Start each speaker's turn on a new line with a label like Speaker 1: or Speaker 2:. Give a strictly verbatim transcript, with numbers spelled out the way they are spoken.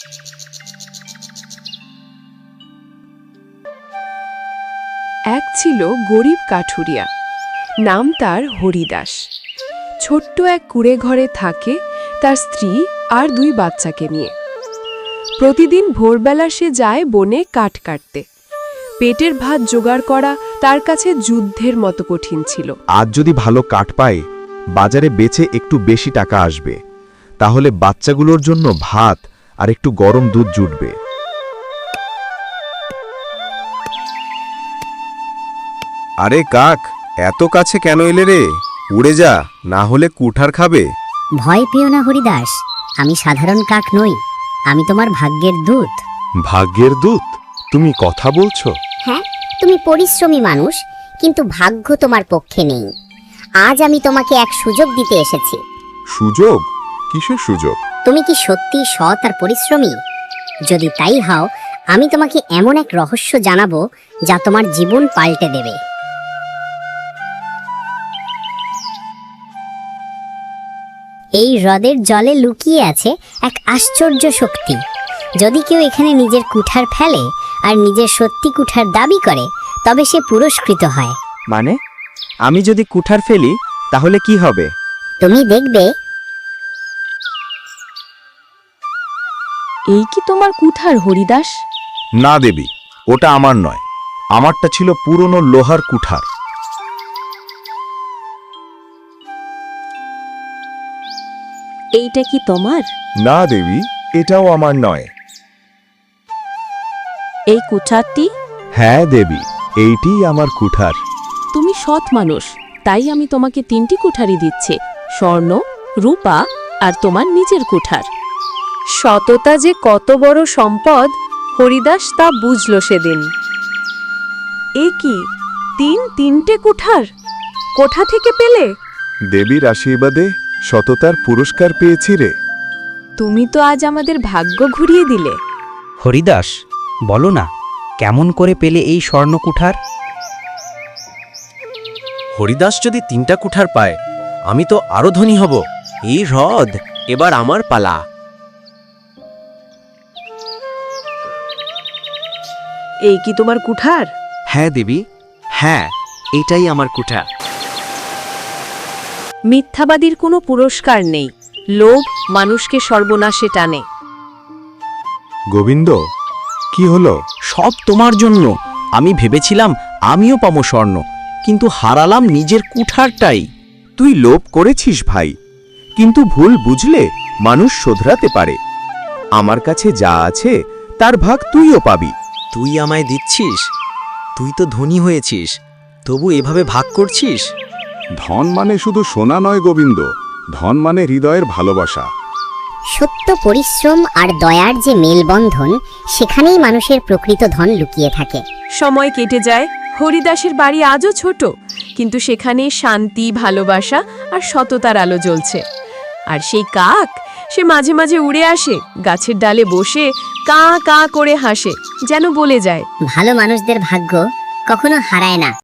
Speaker 1: এক ছিল গরিব কাঠুরিয়া, নাম তার হরিদাস। ছোট্ট এক কুঁড়ে ঘরে থাকে তার স্ত্রী আর দুই বাচ্চাকে নিয়ে। প্রতিদিন ভোরবেলা সে যায় বনে কাঠ কাটতে। পেটের ভাত জোগাড় করা তার কাছে যুদ্ধের মতো কঠিন ছিল।
Speaker 2: আজ যদি ভালো কাঠ পায়, বাজারে বেচে একটু বেশি টাকা আসবে, তাহলে বাচ্চাগুলোর জন্য ভাত আর একটু গরম দুধ জুটবে।
Speaker 3: আরে কাক, এত কাছে কেন এলে রে? উড়ে যা, না হলে কুঠার খাবে।
Speaker 4: ভয় পেও না হরিদাস, আমি সাধারণ কাক নই, আমি তোমার ভাগ্যের দূত।
Speaker 3: ভাগ্যের দূত? তুমি কথা বলছো?
Speaker 4: হ্যাঁ, তুমি পরিশ্রমী মানুষ, কিন্তু ভাগ্য তোমার পক্ষে নেই। আজ আমি তোমাকে এক সুযোগ দিতে এসেছি।
Speaker 3: সুযোগ? কিসের সুযোগ?
Speaker 4: তুমি কি সত্যি সৎ আর পরিশ্রমী? যদি তাই হও, আমি তোমাকে এমন এক রহস্য জানাবো যা তোমার জীবন পাল্টে দেবে। এই হ্রদের জলে লুকিয়ে আছে এক আশ্চর্য শক্তি। যদি কেউ এখানে নিজের কুঠার ফেলে আর নিজের সত্যি কুঠার দাবি করে, তবে সে পুরস্কৃত হয়।
Speaker 5: মানে, আমি যদি কুঠার ফেলি তাহলে কি হবে?
Speaker 4: তুমি দেখবে।
Speaker 1: এই কি তোমার কুঠার হরিদাস?
Speaker 2: না দেবী, ওটা আমার নয়, আমারটা ছিল পুরনো লোহার কুঠার।
Speaker 1: এইটা কি তোমার?
Speaker 2: না দেবী, এটাও আমার নয়।
Speaker 1: এই কুঠারটি?
Speaker 2: হ্যাঁ দেবী, এইটিই আমার কুঠার।
Speaker 1: তুমি সৎ মানুষ, তাই আমি তোমাকে তিনটি কুঠারি দিচ্ছি, স্বর্ণ, রূপা আর তোমার নিজের কুঠার। সততা যে কত বড় সম্পদ হরিদাস তা বুঝল সেদিন। এ কি, তিন তিনটে কুঠার কোথা থেকে পেলে?
Speaker 2: দেবীর আশীর্বাদে সততার পুরস্কার পেয়েছি রে।
Speaker 1: তুমি তো আজ আমাদের ভাগ্য ঘুরিয়ে দিলে।
Speaker 5: হরিদাস, বলো না, কেমন করে পেলে এই স্বর্ণ কুঠার?
Speaker 6: হরিদাস যদি তিনটা কুঠার পায়, আমি তো আরো ধনী হব। এই হ্রদ এবার আমার পালা।
Speaker 1: এই কি তোমার কুঠার?
Speaker 5: হ্যাঁ দেবী, হ্যাঁ, এটাই আমার কুঠার।
Speaker 1: মিথ্যাবাদীর কোনো পুরস্কার নেই, লোভ মানুষকে সর্বনাশে টানে।
Speaker 2: গোবিন্দ, কি হলো?
Speaker 5: সব তোমার জন্য। আমি ভেবেছিলাম আমিও পাবো স্বর্ণ, কিন্তু হারালাম নিজের কুঠারটাই।
Speaker 2: তুই লোভ করেছিস ভাই, কিন্তু ভুল বুঝলে মানুষ শোধরাতে পারে। আমার কাছে যা আছে তার ভাগ তুইও পাবি।
Speaker 6: তুই আমায় দিচ্ছিস? তুই তো ধনী হয়েছিস, তবু এভাবে ভাগ করছিস?
Speaker 3: ধন মানে শুধু সোনা নয় গোবিন্দ, ধন মানে হৃদয়ের ভালোবাসা।
Speaker 4: সত্য, পরিশ্রম আর দয়ার যে মেলবন্ধন, সেখানেই মানুষের প্রকৃত ধন লুকিয়ে থাকে।
Speaker 1: সময় কেটে যায়, হরিদাসের বাড়ি আজও ছোট, কিন্তু সেখানে শান্তি, ভালোবাসা আর সততার আলো জ্বলছে। আর সেই কাক, সে মাঝে মাঝে উড়ে আসে, গাছের ডালে বসে কা কা করে হাসে, যেন বলে যায়,
Speaker 4: ভালো মানুষদের ভাগ্য কখনো হারায় না।